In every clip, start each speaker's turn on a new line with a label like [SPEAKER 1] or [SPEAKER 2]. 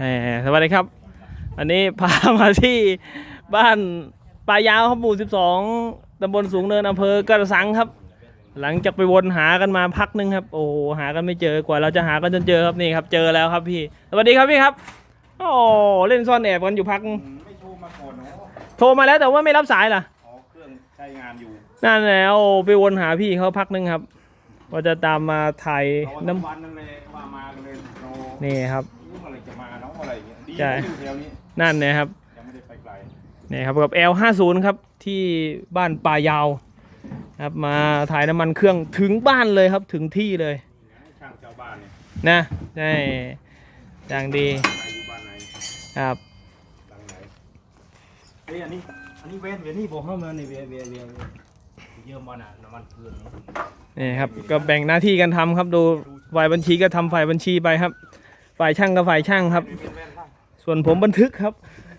[SPEAKER 1] สวัสดีครับอันนี้พามาที่บ้านป่ายาวครับหมู่12ตำบลสูงเนินอำเภอกระสังครับหลังจากไปวนหากันมาพักนึงครับโอ้หากันไม่เจอกว่าเราจะหากันจนเจอครับนี่ครับเจอแล้วครับพี่สวัสดีครับพี่ครับโอ้เล่นซ่อนแอบกันอยู่พัก
[SPEAKER 2] ไม่โทรมาก่อนเนาะ
[SPEAKER 1] โทรมาแล้วแต่ว่าไม่รับสายล่ะ
[SPEAKER 2] อ๋อเครื่องใช้งานอยู่
[SPEAKER 1] นั่นแหละโอ้ไปวนหาพี่เขาพักนึงครับว่าจะตามมาถ่าย
[SPEAKER 2] น้ำวันนั่นเลยว่ามากันเลย
[SPEAKER 1] นี่ครับ
[SPEAKER 2] อะไรจะมาเนาะอะไรอย่างเงี้ยดีอยู่แถวนี้
[SPEAKER 1] นั่นนะครับ
[SPEAKER 2] ยังไม่ได้ไปไกล
[SPEAKER 1] นี่ครับกับ L50 ครับที่บ้านป่ายาวครับมาถ่ายน้ำมันเครื่องถึงบ้านเลยครับถึงที่เลย
[SPEAKER 2] ช่างชาวบ้านเนี่ย
[SPEAKER 1] นะใช่อย่างดี
[SPEAKER 2] อยู่บ้านไหน
[SPEAKER 1] ครับ
[SPEAKER 2] หลังไหนเฮ้ยอันนี้เวนนี่บอกเข้ามาในเวนเยอะมาหนาน้ำมันเครื่อง
[SPEAKER 1] นี่ครับก็แบ่งหน้าที่กันทำครับดูฝ่ายบัญชีก็ทำฝ่ายบัญชีไปครับฝ่ายช่างก็ฝ่ายช่างครับส่วนผมบันทึกครับ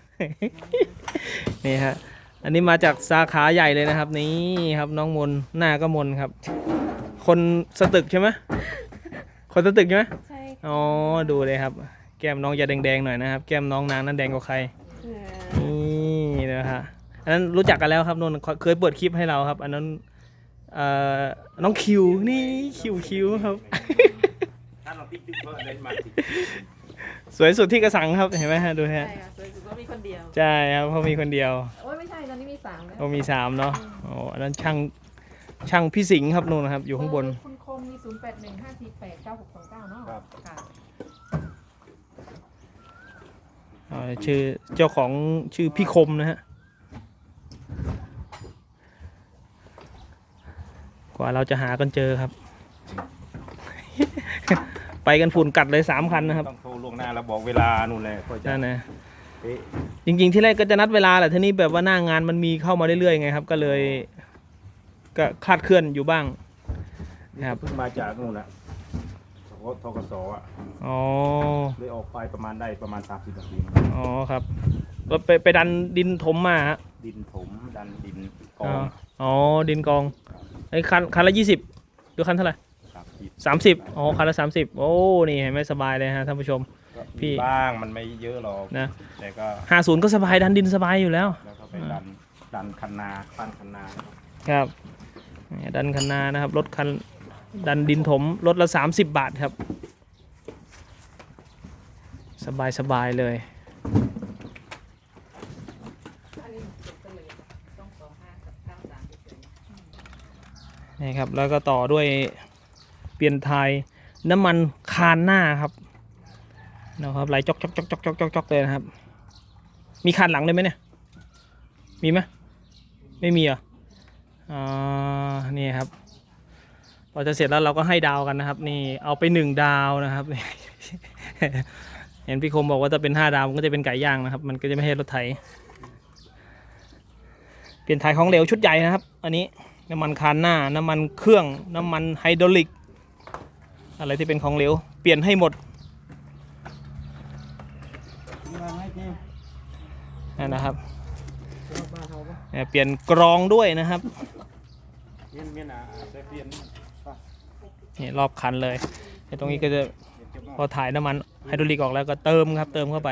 [SPEAKER 1] นี่ฮะอันนี้มาจากสาขาใหญ่เลยนะครับนี่ครับน้องมนหน้าก็มนครับคนสตึกใช่ไหมคนสตึกใช่ไหม
[SPEAKER 3] ใช่
[SPEAKER 1] อ๋อดูเลยครับแก้มน้องจะแดงๆหน่อยนะครับแก้มน้องนางนั้นแดงกว่าใครนี่นะฮะอันนั้นรู้จักกันแล้วครับนนเคยเปิดคลิปให้เราครับอันนั้นน้องคิวนี่คิวครับสวยสุดที่กระสังครับเห็นไหมฮะดูฮะ
[SPEAKER 3] ใช่ค่ะสวยสุดก็มีคนเดียว
[SPEAKER 1] ใช่ครับเพราะมีคนเดียว
[SPEAKER 3] โอ้ยไม่ใช่ตอนนี้มี3แล้ว
[SPEAKER 1] โอ้มี3เนาะโอ้อันนั้นช่างพี่สิงห์ครับนู่นนะครับอยู่ข้างบน
[SPEAKER 3] คุณคมมี0815489629เนาะค่ะ
[SPEAKER 1] ชื่อเจ้าของชื่อพี่คมนะฮะกว่าเราจะหากันเจอครับ ไปกันฝุ่นกัดเลย3 คันนะครับ
[SPEAKER 2] ต้องโทรล่วงหน้าแล้วบอกเวลานู่นแหละก็จะ
[SPEAKER 1] นั่นนะจริงๆที่แรกก็จะนัดเวลาแหละทีนี้แบบว่าหน้างานมันมีเข้ามาเรื่อยๆไงครับก็เลยก็คลาดเคลื่อนอยู่บ้าง
[SPEAKER 2] นะครับเพิ่งมาจากนู่นแหละทกสอ่ะ
[SPEAKER 1] อ๋อ
[SPEAKER 2] เลยออกไปประมาณ30 นาที
[SPEAKER 1] อ๋อครับก็ไปดันดินถมมาฮะ
[SPEAKER 2] ดินถมดันดินกอง
[SPEAKER 1] อ๋อดินกองไอ้คันละ20หรือคันเท่าไหร่30อ๋อคันละ30โอ้นี่เห็นไหมสบายเลยฮะท่านผู้ชมพี่
[SPEAKER 2] บ้างมันไม่เยอะหรอก
[SPEAKER 1] นะ
[SPEAKER 2] แต่ก็
[SPEAKER 1] 50ก็สบายดันดินสบายอยู่แล้ว
[SPEAKER 2] แล้วก็ไปดันคันนาปั้นคันนา
[SPEAKER 1] ครับดันคันนานะครับรถคันดันดินถมรถละ30 บาทครับสบายเลยนี่ครับแล้วก็ต่อด้วยเปลี่ยนไทยน้ำมันคานหน้าครับนะครับไหลจอกเลยนะครับมีคานหลังเลยไหมเนี่ยมีไหมไม่มีเหรอนี่ครับพอจะเสร็จแล้วเราก็ให้ดาวกันนะครับนี่เอาไป1 ดาวนะครับเห็นพี่คมบอกว่าจะเป็น5 ดาวมันก็จะเป็นไก่ย่างนะครับมันก็จะไม่ใช่รถไถเปลี่ยนถ่ายของเหลวชุดใหญ่นะครับอันนี้น้ำมันคานหน้าน้ำมันเครื่องน้ำมันไฮดรอลิกอะไรที่เป็นของเหลวเปลี่ยนให้หมดนะครับเปลี่ยนกรองด้วยนะครับนี่รอบคันเลยตรงนี้ก็จะพอถ่ายน้ำมันไฮดรอลิกออกแล้วก็เติมครับเติมเข้าไป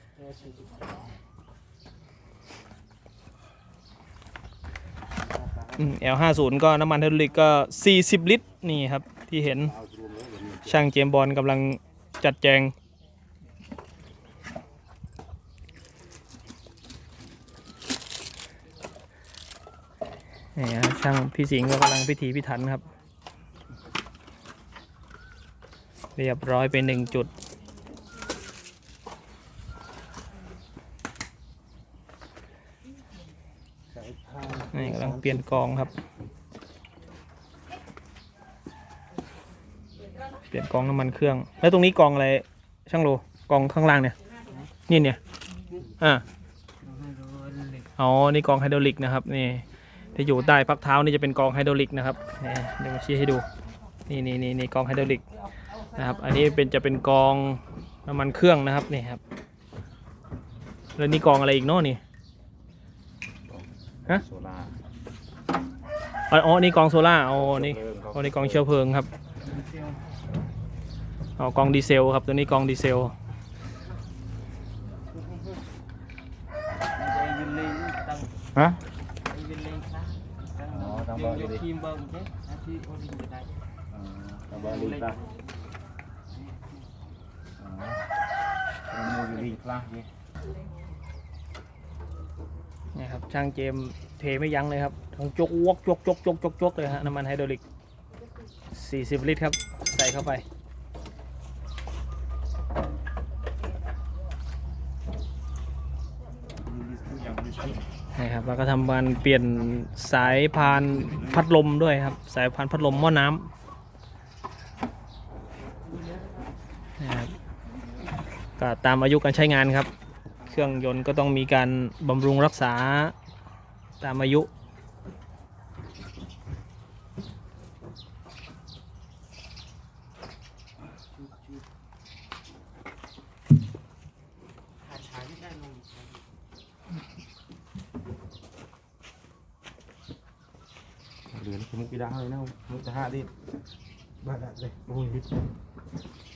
[SPEAKER 1] L50 ก็น้ำมันไฮดรอลิกก็40 ลิตรนี่ครับที่เห็นช่างเจมส์บอลกำลังจัดแจงนี่ฮะช่างพี่สิงห์ก็กำลังพิถีพิถันครับเรียบร้อยไป1 จุดนี่กำลังเปลี่ยนกองครับเปลี่ยนกองน้ำมันเครื่องแล้วตรงนี้กองอะไรช่างโลกองข้างล่างเนี่ยเนี่ยอ๋อนี่กองไฮดรอลิกนะครับนี่ที่อยู่ใต้พักเท้านี่จะเป็นกองไฮดรอลิกนะครับเดี๋ยวมาชี้ให้ดูนี่กองไฮดรอลิกนะครับอันนี้จะเป็นกองน้ำมันเครื่องนะครับนี่ครับแล้วนี่กองอะไรอีกเนาะนี่ฮะอ๋อนี่กองโซล่าอ๋อนี่กองเชื้อเพลิงครับอ๋อกองดีเซลครับตัวนี้กองดีเซล
[SPEAKER 2] ฮะ
[SPEAKER 4] เป็นเลงคลาส
[SPEAKER 2] อ๋อทางเบอร์
[SPEAKER 4] ยก
[SPEAKER 2] ดี
[SPEAKER 4] ทีมเบอร์เจ๊อาชีพโอลิมจะได้
[SPEAKER 2] ทางเบอร์ดีป่ะอ๋อโมยูรีคลาสนี่
[SPEAKER 1] นี่ครับช่างเจมส์เทไม่ยั้งเลยครับทั้งจกวกจกเลยฮะน้ำมันไฮดรอลิก40 ลิตรครับใส่เข้าไปนี่ครับแล้วก็ทำการเปลี่ยนสายพานพัดลมด้วยครับสายพานพัดลมหม้อน้ำนะครับก็ตามอายุการใช้งานครับเครื่องยนต์ก็ต้องมีการบำรุงรักษาตามอายุ
[SPEAKER 2] เหลือมุกกีฬาเลยนะมุกจะห้าดิบ้าได้เลยโอ้ย